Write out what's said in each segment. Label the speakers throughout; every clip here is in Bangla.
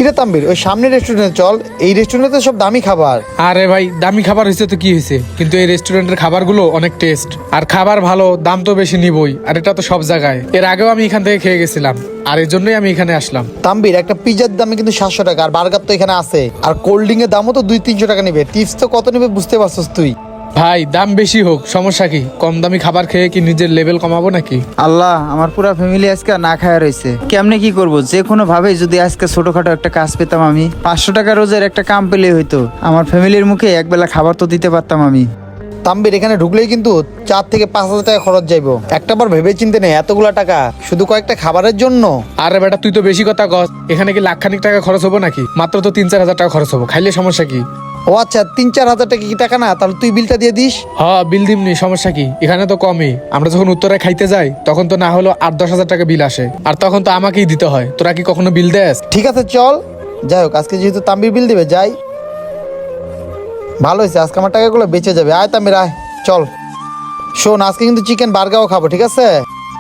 Speaker 1: কিরে তাম্বির, ওই সামনের রেস্টুরেন্টে চল। এই রেস্টুরেন্টে সব দামি খাবার।
Speaker 2: আরে ভাই, দামি খাবার হয়েছে তো কি হয়েছে, কিন্তু এই রেস্টুরেন্টের খাবারগুলো অনেক টেস্ট আর খাবার ভালো, দাম তো বেশি নিবই। আর এটা তো সব জায়গায়, এর আগেও আমি এখান থেকে খেয়ে গেছিলাম, আর এর জন্যই আমি এখানে আসলাম।
Speaker 1: তাম্বির, একটা পিজার দামে কিন্তু 700 টাকা, আর বার্গার তো এখানে আছে, আর কোল্ড ড্রিঙ্ক এর দামও তো 200-300 টাকা নেবে। টিপস তো কত নেবে বুঝতে পারছস তুই।
Speaker 2: ভাই, দাম বেশি হোক সমস্যা কি, কম দামি খাবার খেয়ে কি নিজের লেভেল কমাবো নাকি?
Speaker 3: আল্লাহ, আমার পুরা ফ্যামিলি আজকে না খায়া রয়েছে। কেমনে কি করব? যে কোনো ভাবে যদি আজকে ছোটখাটো একটা কাজ পেতাম, আমি 500 টাকা রোজের একটা কাম পেলে হইতো, আমার ফ্যামিলির মুখে একবেলা খাবার তো দিতে পারতাম আমি।
Speaker 1: তাম্বির, এখানে ঢুকলেই কিন্তু 4 থেকে 5 হাজার টাকা খরচ যাইবো। একটাবার ভেবে চিন্তে নেই এতগুলা টাকা শুধু কয়েকটা খাবারের জন্য।
Speaker 2: আরে বেটা, তুই তো বেশি কথা কস। এখানে কি লাখখানিক টাকা খরচ হবো নাকি? মাত্র তো 3-4 হাজার টাকা খরচ হবো, খাইলে সমস্যা কি?
Speaker 1: ও আচ্ছা, 3-4 হাজার টাকা কি টাকা না? তাহলে তুই বিলটা দিয়ে দিস।
Speaker 2: হ্যাঁ, বিল দিমনি, সমস্যা কি? এখানে তো কমই। আমরা যখন উত্তরায় খাইতে যাই তখন তো না হলো 8-10 হাজার টাকা বিল আসে, আর তখন তো আমাকেই দিতে হয়। তোরা কি কখনো বিল দেস?
Speaker 1: ঠিক আছে চল। যাই হোক, আজকে যেহেতু তাম্বির বিল দিবে, যাই। ভালো হয়েছে, আজকে আমার টাকাগুলো বেঁচে যাবে। আয় তাম্বির, আয় চল। শোন, আজকে কিন্তু চিকেন বার্গারও খাবো, ঠিক আছে?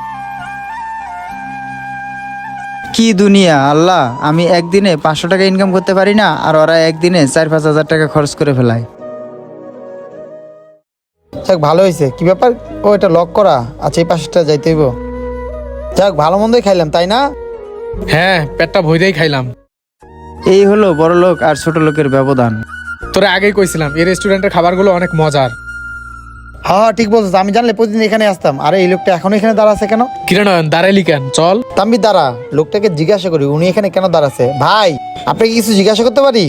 Speaker 3: কি দুনিয়া আল্লাহ, আমি একদিনে 500 টাকা ইনকাম করতে পারি না, আর ওরা একদিনে 4-5 হাজার টাকা খরচ করে ফেলায়।
Speaker 1: যাক, ভালো হয়েছে। কি ব্যাপার? ও, এটা লক করা। আচ্ছা, এই পাশটা যাইতে হইব। যাক, ভালো মন্দই খাইলাম, তাই না?
Speaker 2: হ্যাঁ, পেটটা ভইরাই খাইলাম।
Speaker 3: এই হলো বড় লোক আর ছোট লোকের ব্যবধান।
Speaker 2: তোরা আগেই কইছিলাম এই রেস্টুরেন্টের খাবারগুলো অনেক মজার।
Speaker 1: হ্যাঁ, ঠিক বলছিস। আমি জানলে প্রতিদিন এখানে আসতাম। আরে, এই লোকটা এখনো এখানে দাঁড়াচ্ছে কেন?
Speaker 2: কিরণ, দাঁড়াইলি কেন? চল।
Speaker 1: তাম্বির, দাঁড়া। লোকটাকে জিজ্ঞাসা করি উনি এখানে কেন দাঁড়াচ্ছে। ভাই, আপনাকে কিছু জিজ্ঞাসা করতে পারি?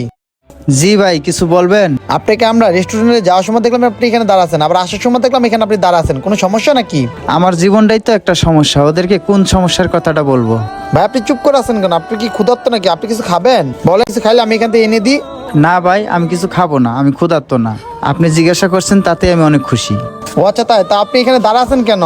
Speaker 3: জি ভাই, কিছু বলবেন?
Speaker 1: আপনাকে আমরা রেস্টুরেন্টে যাওয়ার সময় দেখলাম আপনি এখানে দাঁড়াচ্ছেন, আবার আসার সময় দেখলাম এখানে আপনি দাঁড়াচ্ছেন। কোনো সমস্যা নাকি?
Speaker 3: আমার জীবনটাই তো একটা সমস্যা, ওদেরকে কোন সমস্যার কথাটা বলবো?
Speaker 1: ভাই, আপনি চুপ করে আছেন কেন? আপনি কি ক্ষুধার্ত নাকি? আপনি কিছু খাবেন? বলে কিছু খাইলে আমি এখান থেকে এনে দিই।
Speaker 3: না ভাই, আমি কিছু খাবো না, আমি ক্ষুধার্ত না। আপনি জিজ্ঞাসা করছেন তাতে আমি অনেক খুশি।
Speaker 1: ও আচ্ছা, তাই? তা আপনি এখানে দাঁড়াচ্ছেন কেন?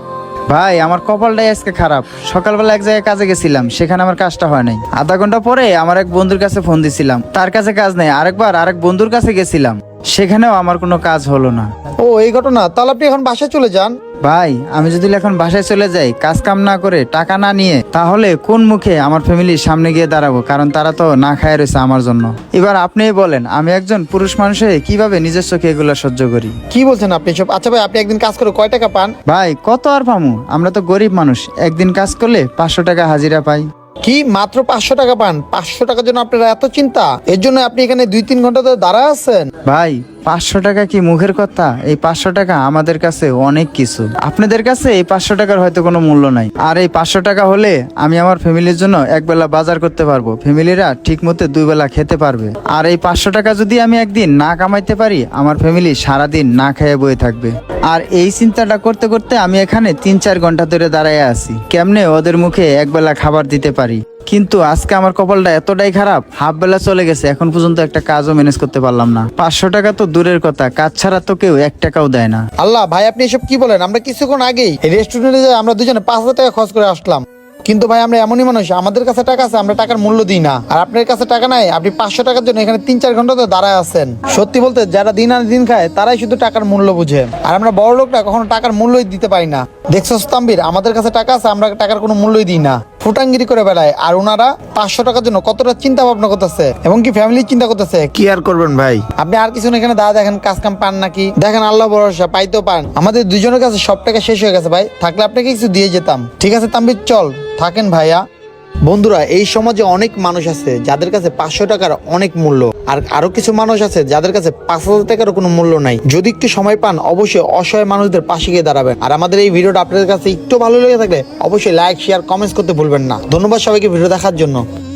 Speaker 3: ভাই, আমার কপালটাই আজকে খারাপ। সকালবেলা এক জায়গায় কাজে গেছিলাম, সেখানে আমার কাজটা হয় নাই। আধা ঘন্টা পরে আমার এক বন্ধুর কাছে ফোন দিছিলাম, তার কাছে কাজ নেই। আরেকবার আরেক বন্ধুর কাছে গেছিলাম, সেখানেও আমার কোনো কাজ হলো না।
Speaker 1: ও, এই ঘটনা। তাহলে আপনি এখন বাসায় চলে যান।
Speaker 3: ভাই, আমি যদি এখন বাসায় চলে যাই, কাজ কাম না করে, টাকা না নিয়ে, তাহলে কোন মুখে আমার ফ্যামিলির সামনে গিয়ে দাঁড়াবো? কারণ তারা তো না খায় রয়েছে আমার জন্য। এবার আপনিই বলেন, আমি একজন পুরুষ মানুষ হয়ে কিভাবে নিজের চোখে এগুলো সহ্য করি?
Speaker 1: কি বলছেন আপনি সব? আচ্ছা ভাই, আপনি একদিন কাজ করে কয় টাকা পান?
Speaker 3: ভাই, কত আর পামু? আমরা তো গরিব মানুষ, একদিন কাজ করলে 500 টাকা হাজিরা পাই।
Speaker 1: কি মাত্র 500 টাকা পান? 500 টাকার জন্য আপনার এত চিন্তা? এর জন্য আপনি এখানে 2-3 ঘন্টা ধরে দাঁড়ায় আছেন?
Speaker 3: ভাই, 500 টাকা কি মুখের কথা? এই 500 টাকা আমাদের কাছে অনেক কিছু। আপনাদের কাছে এই 500 টাকার হয়তো কোনো মূল্য নাই, আর এই 500 টাকা হলে আমি আমার ফ্যামিলির জন্য একবেলা বাজার করতে পারবো, ফ্যামিলিরা ঠিক মতো 2 বেলা খেতে পারবে। আর এই 500 টাকা যদি আমি একদিন না কামাইতে পারি, আমার ফ্যামিলি সারাদিন না খেয়ে বয়ে থাকবে। আর এই চিন্তাটা করতে করতে আমি এখানে 3-4 ঘন্টা ধরে দাঁড়ায় আছি, কেমনে ওদের মুখে একবেলা খাবার দিতে পারি। কিন্তু আজকে আমার কপালটা এতটাই খারাপ, হাফ বেলা চলে গেছে, এখন পর্যন্ত একটা কাজও ম্যানেজ করতে পারলাম না। 500 টাকা তো দূরের কথা, কাজ ছাড়া তো কেউ 1 টাকাও দেয় না।
Speaker 1: আল্লাহ, ভাই আপনি এসব কি বলেন? আমরা কিছুক্ষণ আগেই এই রেস্টুরেন্টে যাই, আমরা দুজনে 5,000 টাকা খরচ করে আসলাম। কিন্তু ভাই, আমরা এমনই মানুষ, আমাদের কাছে টাকা আছে, আমরা টাকার মূল্য দিই না। আর আপনার কাছে টাকা নাই, আপনি 500 টাকার জন্য এখানে 3-4 ঘন্টা তো দাঁড়ায় আছেন। সত্যি বলতে, যারা দিন আনে দিন খায় তারাই শুধু টাকার মূল্য বুঝে, আর আমরা বড় লোকরা কখনো টাকার মূল্যই দিতে পারি না। দেখছো তাম্বির, আমাদের কাছে টাকা আছে, আমরা টাকার কোনো মূল্যই দিই না, ফুটাঙ্গিরি করে বেড়ায়। আর ওনারা 500 টাকার জন্য কতটা চিন্তা ভাবনা করতেছে, এবং কি ফ্যামিলি চিন্তা করতেছে। কি আর করবেন ভাই? আপনি আর কিছু না, এখানে দাদা দেখেন কাজ কাম পান নাকি? দেখেন, আল্লাহ ভরসা, পাইতেও পান। আমাদের দুজনের কাছে সব টাকা শেষ হয়ে গেছে ভাই, থাকলে আপনাকে কিছু দিয়ে যেতাম। ঠিক আছে তাম্বির, চল থাকেন ভাইয়া। বন্ধুরা, এই সমাজে অনেক মানুষ আছে যাদের কাছে 500 টাকার অনেক মূল্য, আর আরো কিছু মানুষ আছে যাদের কাছে 5,000 টাকারও কোনো মূল্য নাই। যদি একটু সময় পান, অবশ্যই অসহায় মানুষদের পাশে গিয়ে দাঁড়াবেন। আর আমাদের এই ভিডিওটা আপনাদের কাছে একটু ভালো লেগে থাকলে অবশ্যই লাইক, শেয়ার, কমেন্টস করতে ভুলবেন না। ধন্যবাদ সবাইকে ভিডিও দেখার জন্য।